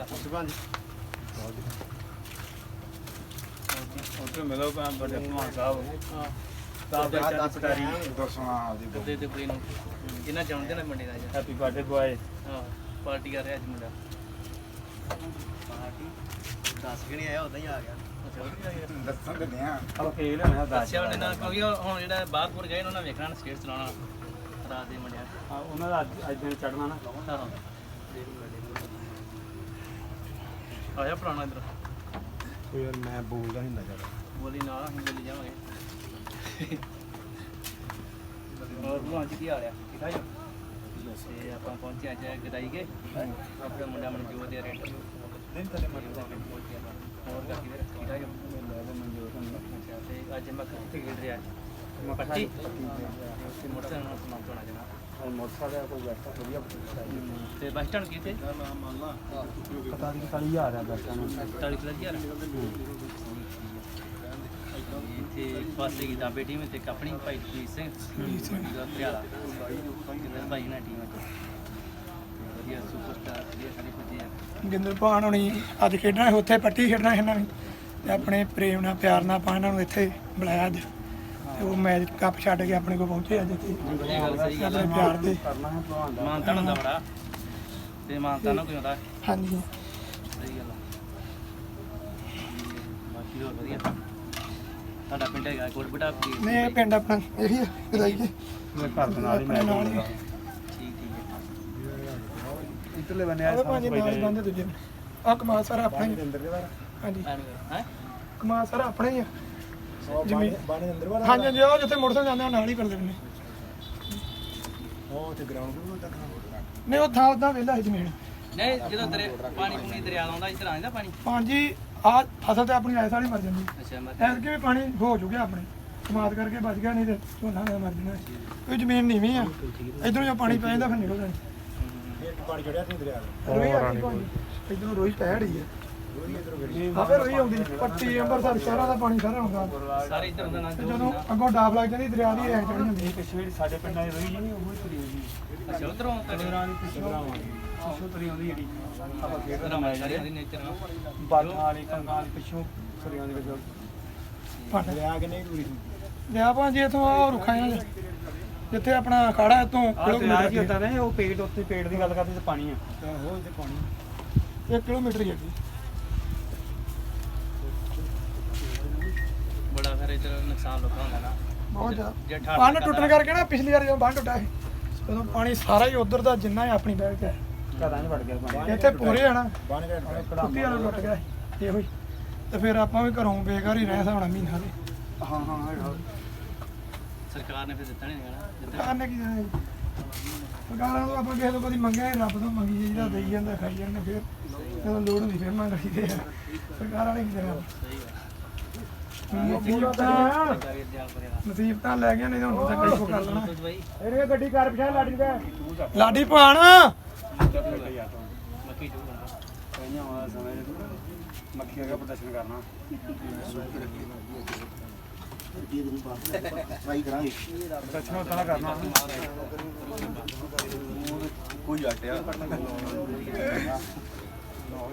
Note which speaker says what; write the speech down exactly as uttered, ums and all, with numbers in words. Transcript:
Speaker 1: ਉੱਥੇ ਮਿਲੋ ਭਾਂ ਬੜੇ ਭਲਵਾਨ ਸਾਹਿਬ ਸਾਹਿਬ ਦੇ ਚਾਚੀ ਪਟਾਰੀ ਦੱਸਣਾ ਉਹਦੇ ਤੇ ਕੁੜੀ ਨੂੰ ਜਿੰਨਾ ਜਾਣਦੇ ਨੇ ਮੰਡੀ ਦਾ ਹੈਪੀ ਬਰਥਡੇ ਬੁਆਏ ਹਾਂ ਪਾਰਟੀ ਕਰ ਰਿਹਾ ਅੱਜ ਮੁੰਡਾ ਪਾਰਟੀ ਦੱਸ ਕਿ ਨਹੀਂ ਆਇਆ ਉਦਾਂ ਹੀ ਆ ਗਿਆ ਦੱਸਣ ਦੇ ਆ ਆਪਾਂ ਫੇਲ ਹੋਣਾ ਦੱਸਿਆ ਉਹਨੇ ਨਾ ਕਿਉਂਕਿ ਹੁਣ ਜਿਹੜਾ ਬਾਹਰਪੁਰ ਗਏ ਉਹਨਾਂ ਨੇ ਵੇਖਣਾ ਸਟੇਟ ਚਲਾਉਣਾ ਰਾਤ ਦੇ ਮੁੰਡਿਆਂ ਹਾਂ ਉਹਨਾਂ ਦਾ ਅੱਜ ਅੱਜ ਦਿਨ ਚੜਨਾ ਨਾ ਹਾਂ ਆਇਆ ਪੁਰਾਣਾ ਇੱਧਰ ਕੋਈ ਯਾਰ ਮੈਂ ਬੋਲਦਾ ਨਹੀਂ ਹੁੰਦਾ ਜ਼ਿਆਦਾ ਬੋਲੀ ਨਾਲ ਅਸੀਂ ਬੋਲੀ ਜਾਵਾਂਗੇ ਹੋਰ ਭਲਵਾਨ ਜੀ ਕੀ ਹਾਲ ਆ ਠੀਕ ਆ ਜੀ ਤੇ ਆਪਾਂ ਪਹੁੰਚੇ ਅੱਜ ਗਦਾਈ ਕੇ ਆਪਣੇ ਮੁੰਡਾ ਮਨਜੋਤ ਦੇ ਰੇਟ ਦਿਨ ਤੱਕ ਮਨਜੋਤ ਦੇ ਪਹੁੰਚੇ ਹੋਰ ਘਰ ਕਿਵੇਂ ਠੀਕ ਆ ਜੀ ਅੱਛਾ ਤੇ ਅੱਜ ਮੈਂ ਕਿੱਥੇ ਖੇਡ ਰਿਹਾ ਮੈਂ ਪੱਟੀ ਤੇ ਮੋਟਰਸਾਈਕਲ ਨਾਲ ਸਮਾਨ ਚੋਣਾ ਜਨਾ ਮੋਟਰਸਾਈਕਲ ਕੋਈ ਬੈਠਾ ਵਧੀਆ ਤੇ ਬੱਸ ਸਟੈਂਡ ਕਿੱਥੇ ਪਤਾ ਨਹੀਂ ਕਾਲੀ ਹਜ਼ਾਰ ਆ ਬੱਸ ਸਟੈਂਡ ਚਾਲੀ ਹਜ਼ਾਰ ਇੱਥੇ ਪਾਸੇ ਕੀ ਦਾਬੇ ਟੀਮ ਤੇ ਆਪਣੀ ਭਾਈ ਜੀ ਸਿੰਘ ਪਟਿਆਲਾ ਭਾਈ ਨਾਲ ਟੀਮ ਵਧੀਆ ਸੁਪਰਸਟਾਰ ਵਧੀਆ ਸਾਰੇ ਪੁੱਜੇ ਆ ਗਿੰਦਰ ਭਾਣ ਹੋਣੀ ਅੱਜ ਖੇਡਣਾ ਉੱਥੇ ਪੱਟੀ ਖੇਡਣਾ ਇਹਨਾਂ ਨੇ ਤੇ ਆਪਣੇ ਪ੍ਰੇਮ ਨਾਲ ਪਿਆਰ ਨਾਲ ਆਪਾਂ ਇਹਨਾਂ ਨੂੰ ਇੱਥੇ ਬੁਲਾਇਆ ਅੱਜ ਤੇ ਉਹ ਮੈਚ ਕੱਪ ਛੱਡ ਕੇ ਆਪਣੇ ਕੋਲ ਪਹੁੰਚੇ ਅੱਜ ਇੱਥੇ ਆਪਣੇ ਪਿਆਰ ਦੇ ਮਾਨਤਾ ਹੁੰਦਾ ਬੜਾ ਤੇ ਮਾਨਤਾ ਨਾ ਕੋਈ ਹੁੰਦਾ ਹਾਂਜੀ ਸਹੀ ਗੱਲ ਬਾਕੀ ਹੋਰ ਵਧੀਆ ਤੁਹਾਡਾ ਪਿੰਡ ਹੈਗਾ ਕੋਟਬਟਾ ਨਹੀਂ ਪਿੰਡ ਆਪਣਾ ਇਹੀ ਹੈ ਗਦਾਈ ਕੇ ਮੇਰੇ ਘਰ ਦੇ ਨਾਲ ਹੀ ਮੈਂ ਠੀਕ ਠੀਕ ਹੈ ਇੱਧਰਲੇ ਬੰਨੇ ਆ ਸਾਰੇ ਨਾਲ ਬੰਦੇ ਦੂਜੇ ਆ ਕਮਾਲ ਸਾਰਾ ਆਪਣਾ ਹੀ ਹਾਂਜੀ ਹੈ ਕਮਾਲ ਸਾਰਾ ਆਪਣਾ ਹੀ ਆ ਜ਼ਮੀਨ ਬਾਣੇ ਅੰਦਰ ਵਾਲਾ ਹਾਂਜੀ ਹਾਂਜੀ ਉਹ ਜਿੱਥੇ ਮੋਟਰਸਾਈਕਲ ਜਾਂਦੇ ਨਾਲ ਹੀ ਕਰਦੇ ਨੇ ਉਹ ਤੇ ਗਰਾਊਂਡ ਨੂੰ ਤੱਕ ਨਹੀਂ ਉਹ ਥਾਂ ਉਦਾਂ ਵਿਹਲਾ ਹੈ ਜ਼ਮੀਨ ਨਹੀਂ ਜਦੋਂ ਦਰਿਆ ਪਾਣੀ ਪੂਣੀ ਦਰਿਆ ਆਉਂਦਾ ਇੱਧਰ ਆ ਜਾਂਦਾ ਪਾਣੀ ਪਾਣੀ ਜੀ ਆ ਫਸਲ ਤੇ ਆਪਣੀ ਐਸ ਵਾਲੀ ਮਰ ਜਾਂਦੀ ਅੱਛਾ ਐਸ ਕੇ ਵੀ ਪਾਣੀ ਹੋ ਚੁੱਕਿਆ ਆਪਣੇ ਕਮਾਦ ਕਰਕੇ ਬਚ ਗਿਆ ਨਹੀਂ ਤੇ ਝੋਨਾ ਨਾ ਮਰ ਜਾਣਾ ਕੋਈ ਜ਼ਮੀਨ ਨੀਵੀਂ ਆ ਇਧਰੋਂ ਜੋ ਪਾਣੀ ਪੈ ਜਾਂਦਾ ਫਿਰ ਨਿਕਲ ਜਾਂਦਾ ਇੱਕ ਪਾਣੀ ਚੜਿਆ ਸੀ ਦਰਿਆ ਦਾ ਰੋਈ ਆ ਇਧਰੋਂ ਰੋਈ ਪੈ ਰਹੀ ਆ ਆਪੇ ਰੋਈ ਆਉਂਦੀ ਪੱਟੀ ਅੰਬਰਸਰ ਸ਼ਹਿਰਾਂ ਦਾ ਪਾਣੀ ਸਾਰਾ ਆਉਂਦਾ ਸਾਰੇ ਇਧਰ ਹੁੰਦਾ ਨਾ ਜਦੋਂ ਅੱਗੋਂ ਡਾਬ ਲੱਗ ਜਾਂਦੀ ਦਰਿਆ ਦੀ ਐ ਚੜ ਜਾਂਦੀ ਪਿਛੇ ਸਾਡੇ ਪਿੰਡਾਂ ਦੀ ਰੋਈ ਨਹੀਂ ਉਹ ਤੁਰੀ ਆਉਂਦੀ ਅੱਛਾ ਉਧਰੋਂ ਤੜੇਰਾਂ ਦੀ ਪਿਛੇ ਪਿਛੋਂ ਤੁਰੀ ਆਉਂਦੀ ਜਿਹੜੀ ਆਪਾਂ ਖੇਡਣਾ ਮੈਂ ਜਿਹੜੀ ਨੇਚਰ ਬਾਤਾਂ ਵਾਲੀ ਕੰਗਾਂ ਵਾਲੀ ਪਿਛੋਂ ਤੁਰੀ ਆਉਂਦੀ ਵਿੱਚ ਦਰਿਆ ਕਿੰਨੇ ਦੂਰੀ ਦਰਿਆ ਭਾਂ ਜੀ ਇਥੋਂ ਆ ਰੁੱਖਾਂ ਜਿੱਥੇ ਆਪਣਾ ਅਖਾੜਾ ਇਤੋਂ ਕਿਲੋਮੀਟਰ ਕੀ ਹੁੰਦਾ ਨੇ ਉਹ ਪੇੜ ਉੱਤੇ ਪੇੜ ਦੀ ਗੱਲ ਕਰਦੇ ਤੇ ਪਾਣੀ ਆ ਉਹ ਤੇ ਪਾਣੀ ਇੱਕ ਕਿਲੋਮੀਟਰ ਹੀ ਹੈ ਜੀ ਬੜਾ ਫਿਰ ਇਧਰ ਨੁਕਸਾਨ ਲੋਕਾਂ ਹੁੰਦਾ ਨਾ ਬਹੁਤ ਜ਼ਿਆਦਾ ਬੰਨ ਟੁੱਟਣ ਕਰਕੇ ਨਾ ਪਿਛਲੀ ਵਾਰ ਜਦੋਂ ਬੰਨ ਟੁੱਟਾ ਸੀ ਉਦੋਂ ਪਾਣੀ ਸਾਰਾ ਹੀ ਉਧਰ ਦਾ ਜਿੰਨਾ ਹੀ ਆਪਣੀ ਬੈਠ ਗਿਆ ਘਰਾਂ 'ਚ ਵੜ ਗਿਆ ਪਾਣੀ ਇੱਥੇ ਪੂਰੇ ਆਣਾ ਬੰਨ ਕੁੱਤੀ ਵਾਲਾ ਟੁੱਟ ਗਿਆ ਇਹੋ ਹੀ ਤੇ ਫਿਰ ਆਪਾਂ ਵੀ ਘਰੋਂ ਬੇਘਰ ਹੀ ਰਹਿ ਸਾਉਣਾ ਮਹੀਨਾ ਦੇ ਹਾਂ ਹਾਂ ਸਰਕਾਰ ਨੇ ਫਿਰ ਦਿੱਤਾ ਨਹੀਂ ਦੇਣਾ ਸਰਕਾਰ ਨੇ ਕੀ ਦੇਣਾ ਜੀ ਸਰਕਾਰਾਂ ਤੋਂ ਆਪਾਂ ਕਿਸੇ ਤੋਂ ਕਦੀ ਮੰਗਿਆ ਰੱਬ ਤੋਂ ਮੰਗੀ ਜਿਹੜਾ ਦੇਈ ਜਾਂਦਾ ਖਾਈ ਜਾਂਦੇ ਫਿਰ ਜਦੋਂ ਲੋੜ ਹੁੰਦੀ ਫਿਰ ਮੰਗ ਲਈਦੇ ਆ ਸਰਕਾਰ ਵਾਲੇ ਕੀ ਦੇਣਾ ਨਸੀਬਤਾਂ ਲੈ ਗਿਆ ਨਹੀਂ ਤਾਂ ਹੁਣ ਤਾਂ ਕਈ ਕੋ ਕਰ ਲੈਣਾ ਇਹ ਗੱਡੀ ਕਰ ਪਿਛਾ ਲਾਡੀ ਦਾ ਲਾਡੀ ਭਾਣ ਮੱਕੀ ਚੂਰ ਕਈਆਂ ਵਾਲਾ ਸਮੇਂ ਮੱਖੀਆਂ ਦਾ ਪ੍ਰਦਰਸ਼ਨ ਕਰਨਾ ਟਰਾਈ ਕਰਾਂਗੇ ਪ੍ਰਦਰਸ਼ਨ ਤਾਂ ਕਰਨਾ ਕੋਈ ਆਟਿਆ